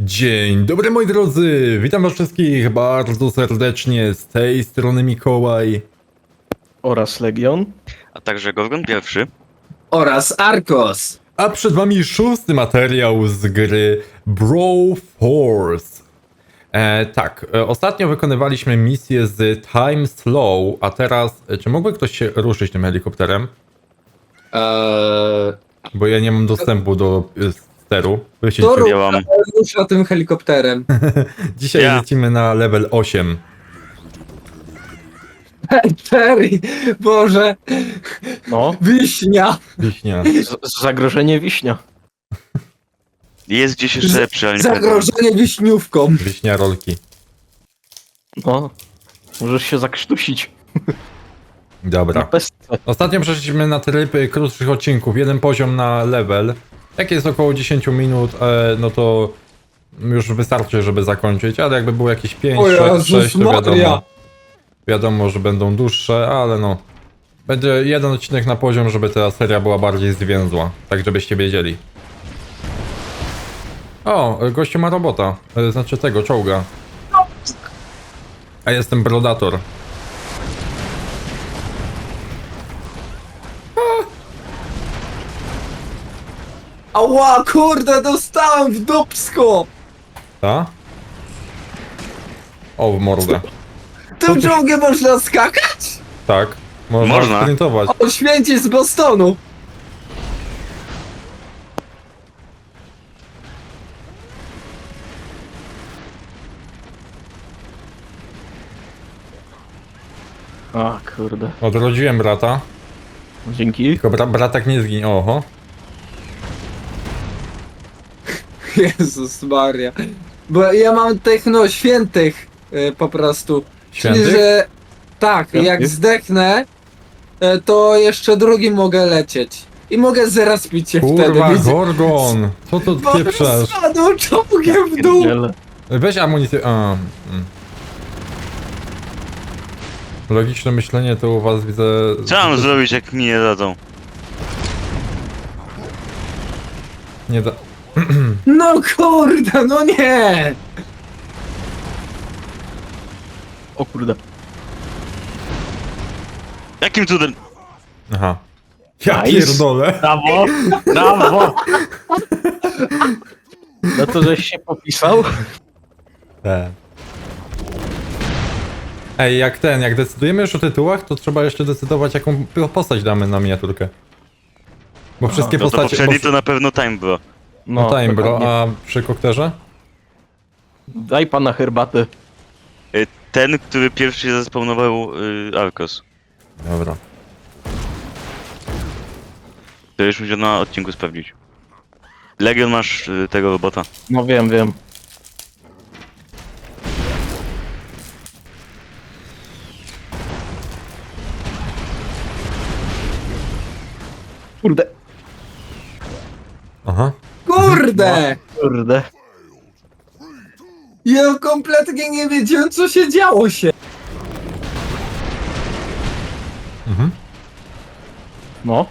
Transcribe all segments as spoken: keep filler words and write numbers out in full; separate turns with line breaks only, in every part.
Dzień dobry moi drodzy, witam was wszystkich bardzo serdecznie, z tej strony Mikołaj.
Oraz Legion.
A także Gorgon pierwszy.
Oraz Arkos.
A przed wami szósty materiał z gry Brawl Force. E, tak, e, ostatnio wykonywaliśmy misję z Time Slow, a teraz, e, czy mógłby ktoś się ruszyć tym helikopterem?
Eee,
Bo ja nie mam dostępu do e, steru. Wyście
to
dzisiaj-
Ja mam.
rusza tym helikopterem.
Dzisiaj
Ja.
lecimy na level osiem.
Terry, Boże,
No,
wiśnia.
Wiśnia.
z- zagrożenie wiśnia.
Jest gdzieś jeszcze lepszy, ale nie pamiętam.
Zagrożenie wiśniówką.
Wiśnia rolki.
No, możesz się zakrztusić.
Dobra.
Na pestce.
Ostatnio przeszliśmy na tryb y, krótszych odcinków, jeden poziom na level. Jak jest około dziesięć minut, e, no to już wystarczy, żeby zakończyć, ale jakby było jakieś pięć,
O
sześć,
Jezus
to
Maria.
wiadomo. Wiadomo, że będą dłuższe, ale no. Będzie jeden odcinek na poziom, żeby ta seria była bardziej zwięzła, tak żebyście wiedzieli. O, gościu ma robota, e, znaczy tego, czołga. A jestem Brodator.
Ała, kurde, dostałem w dupsko.
Ta? O, w mordę.
Tym czołgiem można skakać?
Tak, można,
Można.
sprintować.
O, święci z Bostonu.
A, kurde.
Odrodziłem brata,
Dzięki.
tylko bra bratek nie zginie. Oho.
Jezus Maria. Bo ja mam tych, no, świętych y, po prostu.
Świętych?
Czyli, że tak,
Świętych?
jak zdechnę, y, to jeszcze drugim mogę lecieć. I mogę zrespić się wtedy.
Kurwa,
widzę-
Gorgon! Co to
Bo
pieprzasz?
spadł czołgiem w dół.
Pierdziele.
Weź amunicję. A, mm. Logiczne myślenie to u was widzę.
Co mam zrobić, jak mi nie dadzą?
Nie da.
No kurde, no nie!
O kurde.
Jakim cudem?
Aha. Ja
Nice.
pierdolę.
Brawo! Brawo! No to żeś się popisał?
E. Ej, jak ten, jak decydujemy już o tytułach, to trzeba jeszcze decydować, jaką postać damy na miniaturkę. Bo wszystkie
No to
postacie.
poprzedni
bo-
to na pewno Time Bro.
No, time, bro,
dokładnie.
a przy kokterze?
Daj pana herbatę.
Y, Ten, który pierwszy zespawnował y, Arkos.
Dobra.
To już musiał na odcinku sprawdzić. Legion, masz y, tego robota.
No wiem, wiem. Kurde.
Aha.
Kurde!
Kurde.
Ja kompletnie nie wiedziałem, co się działo się.
Mhm.
No.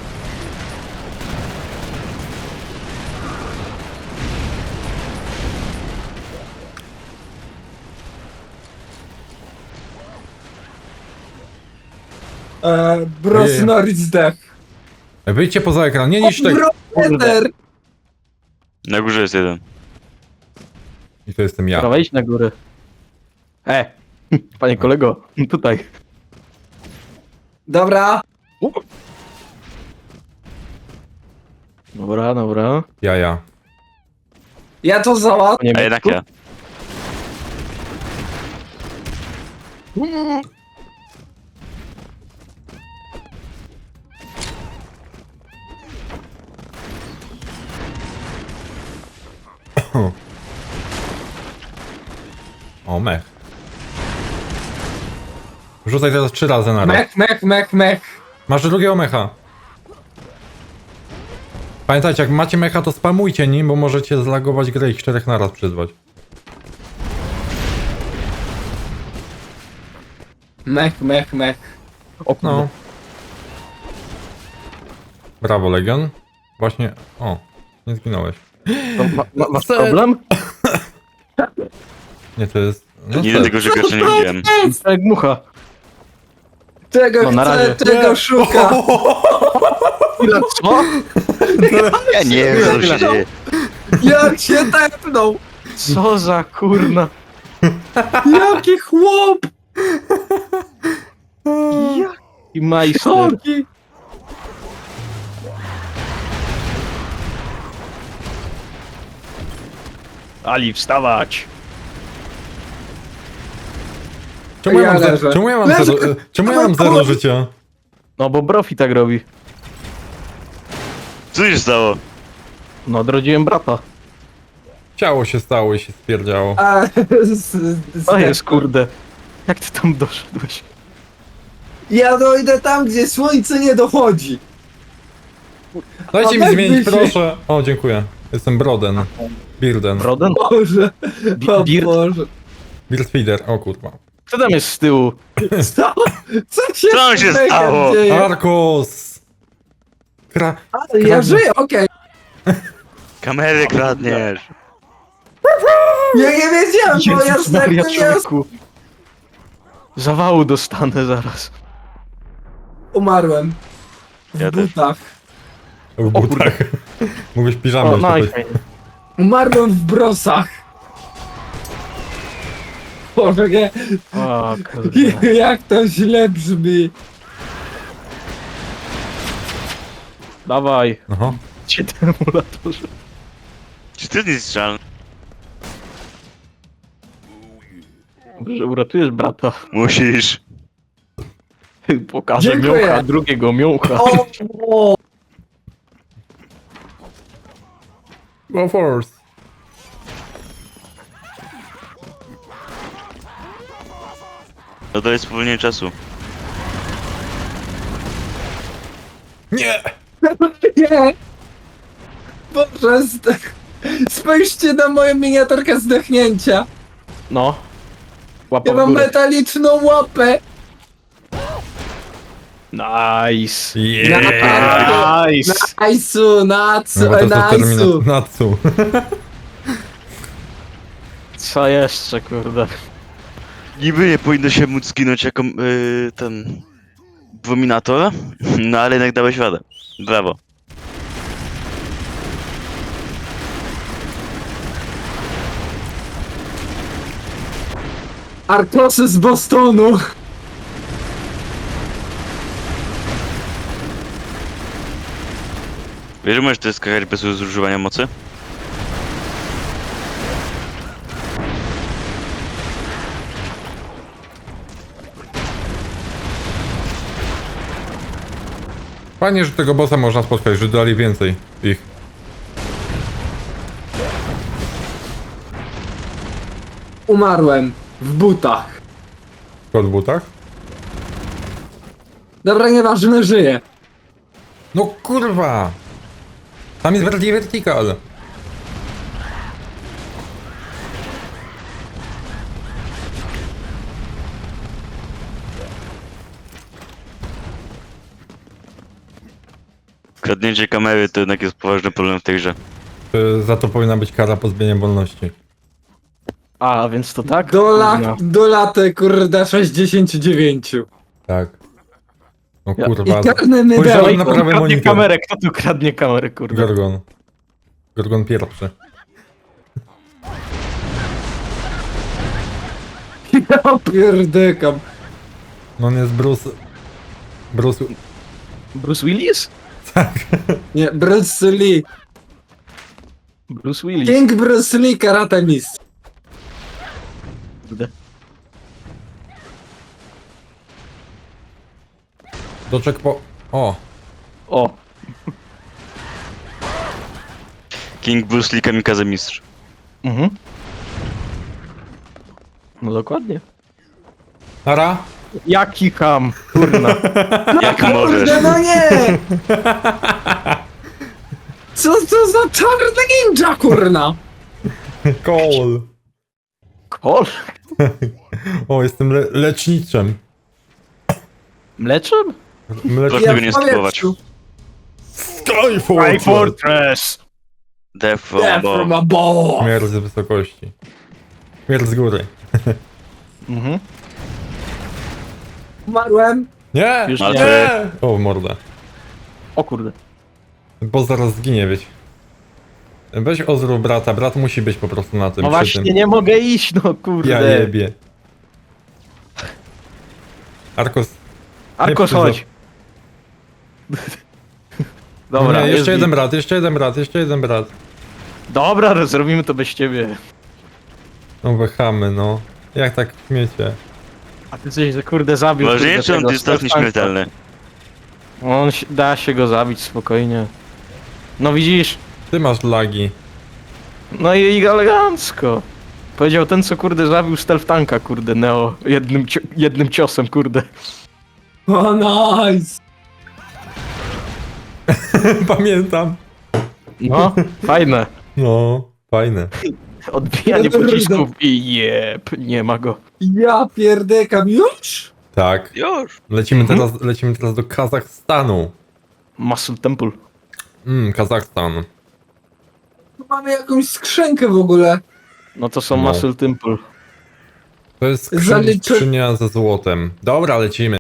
Eee, Brosnor zdech.
Wyjdźcie poza ekran, nie niż tego.
Bropeter!
Na górze jest jeden.
I to jestem ja.
Dobra, wejdź na górę. E! Panie kolego, tutaj.
Dobra.
Dobra, dobra.
Ja, ja.
Ja to załatwię.
Po niemiecku?
A jednak ja.
O, mech. Rzucaj teraz trzy razy na raz.
Mech, mech, mech, mech.
Masz drugiego mecha. Pamiętajcie, jak macie mecha, to spamujcie nim, bo możecie zlagować grę i czterech naraz przyzwać.
Mech, mech, mech.
O kurde.
No. Brawo, Legion. Właśnie... O, nie zginąłeś.
To ma, ma, masz
Co?
problem?
Nie, to jest... No
Nigdy
tak.
tego żeglarza nie widziałem.
Jak mucha.
Czego
No, na
chce,
razie.
czego szuka.
Ile co?
Ja nie wiem, co tu się dzieje.
Jak się tepnął.
Co za kurna.
Jaki chłop.
I majster.
Jaki.
Ali, wstawać.
Czemu ja
Ja
mam,
leżę.
zero, czemu ja mam,
Leżę.
zero, czemu ja mam zero życia?
No bo Brofi tak robi.
Co się stało?
No, odrodziłem brata.
Ciało się stało i się stwierdziało.
A, z, z,
To jest kurde. Jak ty tam doszedłeś?
Ja dojdę tam, gdzie słońce nie dochodzi.
Dajcie
A
mi
weź
zmienić,
się.
proszę. O, dziękuję. Jestem Broden. Birden.
Broden?
Boże, o
Birt?
Boże.
Birdfeeder, o kurwa.
Kto tam jest z tyłu?
Co? Co się,
Co tam się
z Bechem
stało?
dzieje?
Arkos! Kra...
Ale ja żyję, okej.
Kamerę kradniesz.
Ja nie wiedziałem, bo ja
Jezus Maria,
zdechnę, ja
człowieku. Zawału dostanę zaraz.
umarłem. W
Ja też.
butach.
W butach. Mógłbyś piżamę
O,
jeszcze
no i
powiedzieć.
fajnie.
Umarłem w brosach. Boże, nie.
O, kurde.
Jak to źle brzmi.
Dawaj.
Aha.
Cię emulatorze.
Czy ty nie strzelny?
Że uratujesz brata.
Musisz.
Pokażę
Dziękuję.
miącha, drugiego miącha.
O, o.
Go force.
No to jest spowolnienie czasu.
Nie!
Nie. Boże, zdech... spójrzcie na moją miniaturkę zdechnięcia.
No. Łapa
Ja
w
mam
górę.
metaliczną łapę.
Nice.
Yeah!
Nice.
Najsu, nacu,
No, bo to jest to
najsu.
termina- Natsu.
Co jeszcze, kurde?
Niby nie powinno się móc zginąć jako yy, ten... Abominator, no ale jednak dałeś radę. Brawo.
Arkosy z Bostonu.
Wiesz, że możesz to skakać bez zużywania mocy?
Fajnie, że tego bossa można spotkać, że dali więcej ich.
Umarłem w butach.
Kot w butach?
Dobra, nieważne, żyję.
No kurwa! Tam jest bardziej vertical.
Kradnięcie kamery to jednak jest poważny problem w tej grze.
Y, Za to powinna być kara pozbawienia wolności.
A, więc to tak?
Do,
Kurna.
la, do laty, kurde, sześćdziesiąt dziewięć.
Tak. No
Ja-
kurwa.
I karny
Spojrzałem
mydełko.
na
Kto
prawy
kradnie
monitor.
kamerę? Kto tu kradnie kamerę, kurde?
Gorgon. Gorgon pierwszy.
Ja pierdykam.
No on jest Bruce... Bruce...
Bruce Willis?
Nie, Bruce Lee.
Bruce Willis.
King Bruce Lee, karate mistrz.
Kurde.
Doczek po... O!
O,
King Bruce Lee Kamikaze Mistrz.
mhm. No dokładnie.
Ara?
Jaki ham, kurna.
Jak możesz?
Kurde, no nie! Co to za czarny ninja, kurna?
Cole!
Kol?
O, jestem le leczniczym.
Mleczem?
Mlecz...
Proszę tego nie spróbować.
powietrzu.
Skyfall!
Fortress!
Death from
Death from
above.
above.
Śmierć z wysokości. Śmierć z góry.
Mhm.
Umarłem.
Nie!
Już
nie.
nie! O, morda.
O kurde.
Bo zaraz zginie, wiecie. Weź ozrób brata, brat musi być po prostu na tym.
No
przy
właśnie,
tym.
nie mogę iść, no kurde.
Ja jebie. Arkos.
Arkos,
nie
chodź. Dobra,
nie,
jest
jeszcze
git.
jeden brat, jeszcze jeden brat, jeszcze jeden brat.
Dobra, zrobimy to bez ciebie.
No wychamy, no. Jak tak śmiecie?
A ty coś, że kurde zabił.
Ważniejsze,
kurde,
on
tego
jest tak
Stefanka.
nieśmiertelny.
On się, da się go zabić spokojnie. No widzisz?
Ty masz lagi.
No i elegancko. Powiedział ten, co kurde zabił stealth tanka, kurde, Neo. Jednym, cio- jednym ciosem, kurde.
O, nice.
Pamiętam.
No, fajne.
No, fajne.
Odbijanie pocisków i jeb, nie ma go.
Ja pierdekam już?
Tak.
Już.
Lecimy teraz, lecimy teraz do Kazachstanu.
Muscle Temple.
Mmm, Kazachstan.
Mamy jakąś skrzynkę w ogóle.
No to są
No.
Muscle Temple.
To jest skrzynia,
Zaliczy-
skrzynia ze złotem. Dobra, lecimy.